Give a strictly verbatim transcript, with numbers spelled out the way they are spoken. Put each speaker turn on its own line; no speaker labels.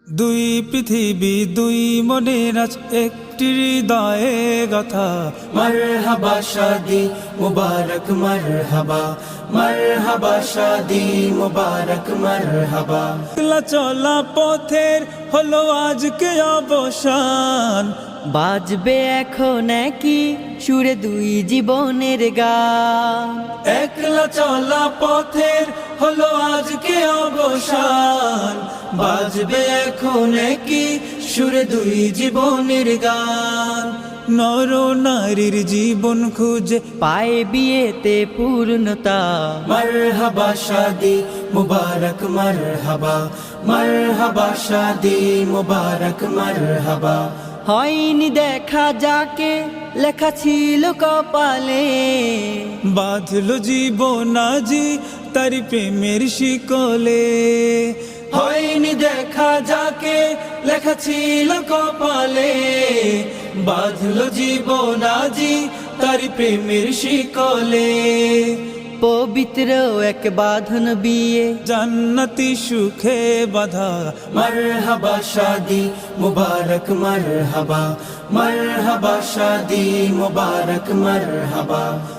দুই পৃথিবী দুই মনের আজ একটি হৃদয়ে গাথা।
মারহাবা শাদি মুবারক মারহাবা, মারহাবা শাদি মুবারক মারহাবা।
একলা চলা পথের হলো আজকে অবসান,
বাজবে এখন কি সুরে দুই জীবনের গান।
একলা চলা পথের হলো আজকে অবসান, বাজবে এখন কি সুরে দুই জীবনের গান। নর নারীর জীবন খুঁজে
পায়ে বিয়েতে পূর্ণতা।
মারহাবা শাদি মুবারক মারহাবা, মারহাবা শাদি মুবারক মারহাবা।
হয়নি দেখা যাকে লেখা ছিল কপালে,
বাঁধলো জীবন আজি তার প্রেমের শিকলে। হয়নি দেখা যাকে লেখা ছিল কপালে, বাঁধলো জীবন আজি তার প্রেমের শিকলে।
পবিত্র এক বাঁধন বিয়ে
জান্নাতি সুখে বাধা।
মারহাবা শাদি মুবারক মারহাবা, মারহাবা শাদি মুবারক মারহাবা।